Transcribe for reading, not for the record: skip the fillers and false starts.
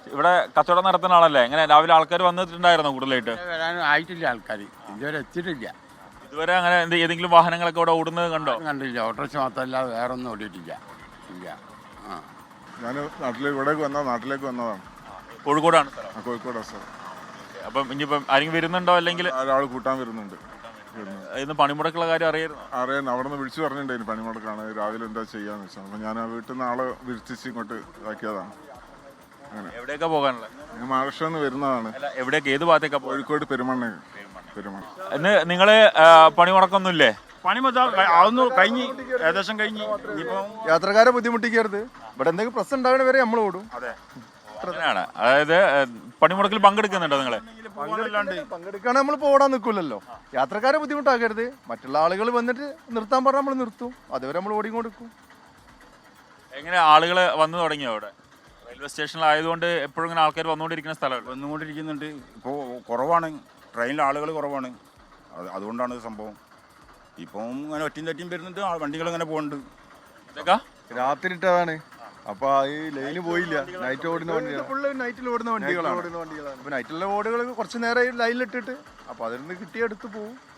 ഇവിടെ കച്ചവടം നടത്തുന്ന ആളല്ലേ? എങ്ങനെ രാവിലെ ആൾക്കാർ വന്നിട്ടുണ്ടായിരുന്നോ കൂടുതലായിട്ട്? വരാനും ആയിട്ടില്ല, ആൾക്കാർ ഇതുവരെ എത്തിയിട്ടില്ല. ഇതുവരെ അങ്ങനെ ഏതെങ്കിലും വാഹനങ്ങളൊക്കെ ഇവിടെ ഓടുന്നത് കണ്ടോ? കണ്ടില്ല. ഓട്ടോറിക്ഷ മാത്രമല്ല, വേറെ ഒന്നും ഓടിയിട്ടില്ല. ഇല്ല. ഞാൻ നാട്ടിലേക്ക് വന്നതാണ്. കോഴിക്കോടാണ് സ്ഥലം? കോഴിക്കോടാണ് സാർ. അപ്പം ഇനിയിപ്പം ആരെങ്കിലും വരുന്നുണ്ടോ? അല്ലെങ്കിൽ ഒരാൾ കൂട്ടാൻ വരുന്നുണ്ട്. ഇന്ന് പണിമുടക്കുള്ള കാര്യം അറിയാൻ അവിടെ നിന്ന് വിളിച്ചു പറഞ്ഞിട്ടുണ്ടായിരുന്നു പണിമുടക്കാണ്, രാവിലെ എന്താ ചെയ്യാന്ന് വെച്ചാൽ. അപ്പം ഞാൻ വീട്ടിൽ നിന്ന് ആളെ വിളിച്ചിച്ച് ഇങ്ങോട്ട് ഇതാക്കിയതാണ്. അങ്ങനെ എവിടെയൊക്കെ പോകാനുള്ളത്? മഹാരാഷ്ട്രയിൽ നിന്ന് വരുന്നതാണ്. എവിടേക്ക്, ഏത് ഭാഗത്തേക്കാ? കോഴിക്കോട് പെരുമണ്ണ. ഇന്ന് നിങ്ങള് പണിമുടക്കൊന്നുമില്ലേ? അതൊന്നും കഴിഞ്ഞ് ഏകദേശം കഴിഞ്ഞ്. യാത്രക്കാരെ ബുദ്ധിമുട്ടിക്കരുത്. ഇവിടെ എന്തെങ്കിലും പ്രശ്നം ഉണ്ടാകണ വരെ നമ്മൾ ഓടും. അതെ, അങ്ങനെയാണ്. അതായത് പണിമുടക്കിൽ പങ്കെടുക്കുന്നുണ്ടോ നിങ്ങള്? പങ്കെടുക്കാണ്, നമ്മൾ ഓടാൻ നിൽക്കില്ലല്ലോ. യാത്രക്കാരെ ബുദ്ധിമുട്ടാക്കരുത്. മറ്റുള്ള ആളുകൾ വന്നിട്ട് നിർത്താൻ പറഞ്ഞാൽ നമ്മൾ നിർത്തും. അതുവരെ നമ്മൾ ഓടിക്കൊടുക്കും. എങ്ങനെ ആളുകൾ വന്നു തുടങ്ങിയോ? അവിടെ റെയിൽവേ സ്റ്റേഷനിലായതുകൊണ്ട് എപ്പോഴും ഇങ്ങനെ ആൾക്കാർ വന്നുകൊണ്ടിരിക്കുന്ന സ്ഥലമാണ്. വന്നുകൊണ്ടിരിക്കുന്നുണ്ട്. ഇപ്പോൾ കുറവാണ്, ട്രെയിനിൽ ആളുകൾ കുറവാണ്. അതുകൊണ്ടാണ് സംഭവം. ഇപ്പം ഇങ്ങനെ ഒറ്റയും തെറ്റിയും വരുന്നുണ്ട്, വണ്ടികൾ ഇങ്ങനെ പോകുന്നുണ്ട്. ഇതൊക്കെ രാത്രി ഇട്ടതാണ്. അപ്പൊ ഈ ലൈന് പോയില്ല. നൈറ്റ് ഓടുന്ന വണ്ടികൾ, നൈറ്റിൽ ഓടുന്ന വണ്ടികളാണ്. അപ്പൊ നൈറ്റിലെ ഓടുകൾ കുറച്ച് നേരം ലൈനിലിട്ടിട്ട് അപ്പൊ അതിൽ നിന്ന് കിട്ടിയെടുത്ത് പോകും.